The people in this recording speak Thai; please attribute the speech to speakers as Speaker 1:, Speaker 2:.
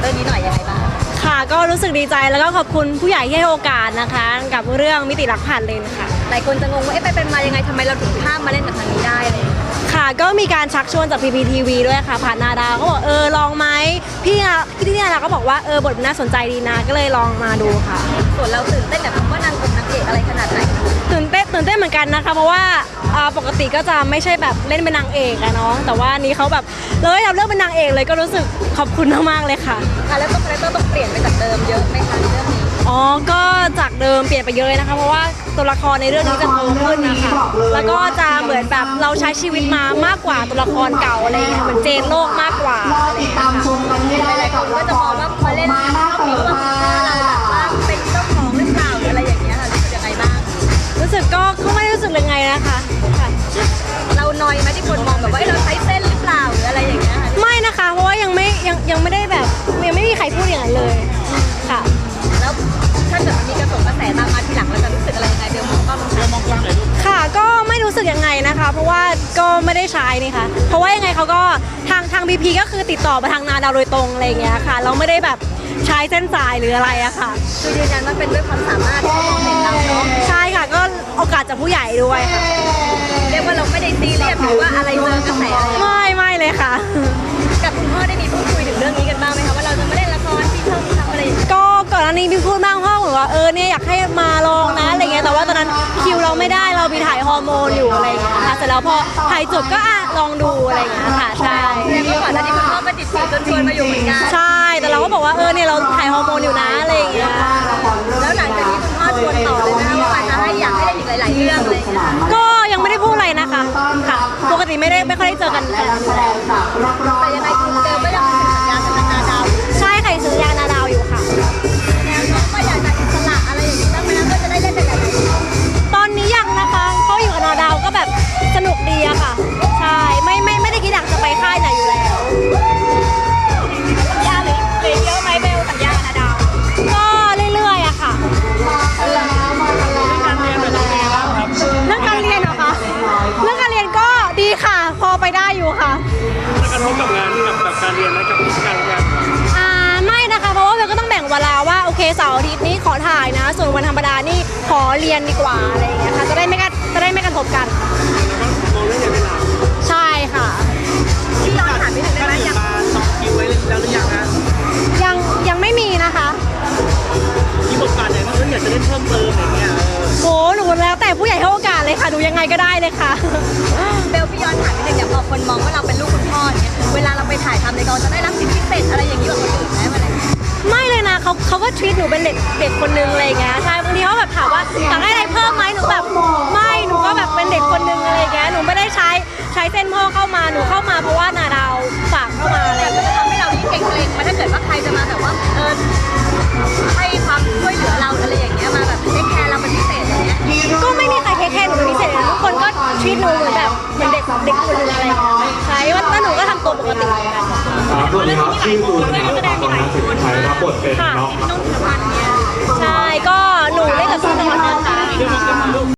Speaker 1: เรื่องนี้หน่อยยังไงบ้าง
Speaker 2: ค่ะก็รู้สึกดีใจแล้วก็ขอบคุณผู้ใหญ่ที่ให้โอกาสนะคะกับเรื่องมิติรักผ่านเลนค่ะ
Speaker 1: หลายคนจะงงว่าไปเป็นมายังไงทำไมเราถึงข้ามมาเล่นกับทางนี้ได้เลย
Speaker 2: ค่ะก็มีการชักชวนจาก PPTV ด้วยค่ะผ่านนาดาวก็บอกลองไหมพี่นาดาวก็บอกว่าบทมันน่าสนใจดีนะก็เลยลองมาดูค่ะ
Speaker 1: ส่วนเราตื่นเต้นแบบว่านางนางเอกอะไรขนาดไหน
Speaker 2: ตื่นเต้นเหมือนกันนะคะเพราะว่าปกติก็จะไม่ใช่แบบเล่นเป็นนางเอกอะเนาะแต่ว่านี้เขาแบบเลยเราเลือกเป็นนางเอกเลยก็รู้สึกขอบคุณมากๆเลยค่ะ
Speaker 1: แล้วก็คาแรคเตอร์ต้องเปลี่ยนไปจากเดิมเยอะไหมคะในเรื่องนี้
Speaker 2: ก็จากเดิมเปลี่ยนไปเยอะเลยนะคะเพราะว่าตัวละครในเรื่องนี้จะโตขึ้นนะคะแล้วก็จะเหมือนแบบเราใช้ชีวิตมามากกว่าตัวละครเก่าอะไรเงี้ยเหมือนเจนโลกมากกว่า
Speaker 1: หลายคนก็จะมองว่าพอเล่นรอบนี้ว่าเราแบบว่าเป็นเจ้าของหรือเปล่าหรืออะไรอย่างเงี้ยค่ะรู้สึกยังไงบ้าง
Speaker 2: รู้สึกก็ไม่รู้สึกยังไงนะคะ
Speaker 1: เรานอยไหมที่คนมองแบบว่าเราใช้เส้นหรือเปล่าหรืออะไรอย่างเงี้ย
Speaker 2: ไม่นะคะเพราะว่ายังไม่ได้แบบยังไม่มีใครพูดอย่างนั้นเลยค่ะ
Speaker 1: แล้วถ้าเกิดมันมีกระแสตามมาทีหลังเราจะรู้สึกอะไรยังไงเบลมองกล้อง
Speaker 2: เลยค่ะก็ไม่รู้สึกยังไงนะคะเพราะว่าก็ไม่ได้ใช้นี่ค่ะเพราะว่ายังไงเขาก็ทาง BP ก็คือติดต่อมาทางนาดาวโดยตรงอะไรอย่างเงี้ยค่ะเราไม่ได้แบบใช้เส้นสายหรืออะไรอะค่ะ
Speaker 1: คือยืนยันว่าเป็นด้วยความสามารถที่เขามองเห็นเราเนาะ
Speaker 2: ใช่ค่ะก็โอกาสจากผู้ใหญ่ด้วยค่ะ
Speaker 1: เรียกว่าเราไม่ได้ซีเรียสหรือว่าอะไรเจอกระแสอะไร
Speaker 2: ไม่เลยค่ะ
Speaker 1: กับคุณพ่อได้มีพูดคุยถึงเรื่องนี้กันบ้างไหมคะว่าเราจะมาเล่นละครที่ช่องทำอะไร
Speaker 2: ก็ก่อนหน้านี้พี่พูดบ้างพ่อเหมือนว่าเนี่ยอยากให้มาลองนะอะไรเงี้ยแต่ว่าตอนนั้นคิวเราไม่ได้เราไปถ่ายฮอร์โมนอยู่อะไรเงี้ยค่ะเสร็จแล้วพอถ่ายจบก็ลองดูอะไรเงี้ยค่ะใช่
Speaker 1: เมื่อก่อนหน้านี้คุณพ่อก็ติดต่อจนชวนมาอยู่เหมือนกัน
Speaker 2: ใช่แต่เราก็บอกว่าเนี่ยเราถ่ายฮอร์โมนอยู่นะอะไรเงี้ย
Speaker 1: แล้วหลังจากนี้คุณพ่อชวนต่อเลยนะว่าอยากให้เล่นอีกหลายๆเรื่องอะไรเงี้ย
Speaker 2: ก็ยังไม่ได้พูดอะไรนะคะค่ะปกติไม่ค่อยได้เจอกัน
Speaker 1: แต่ยังไงคุณเบลก็ยังมีสัญญากับนาดาว
Speaker 2: ใช่ค่ะสัญญานาดาวอยู่ค่ะ
Speaker 1: แล้วน้องก็อยากจะอิสระอะไรอย่างนี้บ้างไหมนะก็จะได้เล่นหลาย
Speaker 2: ๆตอนนี้ยังนะคะเพราะอยู่กับนาดาวก็แบบสนุกดีอะค่ะใช่ไม่ได้คิดอยากจะไปค่ายไหนอยู่แล้ว
Speaker 1: สัญญาหรือเยอะไหมเบลสัญญานาดาว
Speaker 2: ก็เรื่อยๆอะค่ะเรื่องการเรียนเหรอคะเรื่องการเรียนก็ดีค่ะพอไปได้อยู่ค่ะ
Speaker 3: กระทบกับงานกับการเรียนและกับการงาน
Speaker 2: ไม่นะคะเพราะว่าเราก็ต้องแบ่งเวลาว่าโอเคเสาร์อาทิตย์นี้ขอถ่ายนะส่วนวันธรรมดานี่ขอเรียนดีกว่าอะไรอย่างเงี้ยค่ะจะได้ไม่กระทบกัน
Speaker 3: มองเรื่องเรียนเป็นหลัก
Speaker 2: ใช่ค่ะ
Speaker 1: ที่เราถามนิดนึงได้ไหม
Speaker 3: ยังสองคิวไว้แล้วหรือยังนะ
Speaker 2: ยังไม่มีนะคะ
Speaker 3: มีบทบาทไหนบ้างอยากจะเล่นเพิ่มเติมอย่างเงี้ย
Speaker 2: โอ้หนูแล้วแต่ผู้ใหญ่ให้โอกาสเลยค่ะดูยังไงก็ได้เลยค่ะ
Speaker 1: เบลพี่ย้อนถามนิดนึงอย่างพอคนมองว่าเราเป็นลูกคุณพ่อเนี่ยเวลาเราไปถ่ายทำในกองจะได้รับสิทธิพิเศษอะไรอย่างนี้กว่าคนอื่นไหมอะไร
Speaker 2: ไม่เลยนะเขาก็ทรีตหนูเป็นเด็กคนนึงอะไรเงี้ยใช่บางทีเขาแบบถามว่าอยากได้อะไรเพิ่มไหมหนูแบบไม่หนูก็แบบเป็นเด็กคนนึงอะไรเงี้ยหนูไม่ได้ใช้เส้นพ่อเข้ามาหนูเข้ามาเพราะว่านาดาวฝากเข้ามาอะไร
Speaker 1: จะทำให้เรายิ่งเกรงมาถ้าเกิดว่าใครจะมาแบบว่าให้ความช่วยเหลือเราอะไรอย่างเงี้ยมาแบบเทคแคร์เราเป็นพิเศษอย่างเงี้ย
Speaker 2: ก็ไม่มีใครเทคแคร์หนูเป็นพิเศษทุกคนก็ทรีตหนูเหมือนแบบเหมือนเด็กคนนึงอะไรใช่ว่าหนูก็ทำตัวปกติ
Speaker 4: สวัสดีครับชื่อตูนนะครับตอนนั้นสิทธิชัยรับบทเป็นน้อง
Speaker 2: ใช่ก็หนูเล่นกับพี่ตะวันนะคะ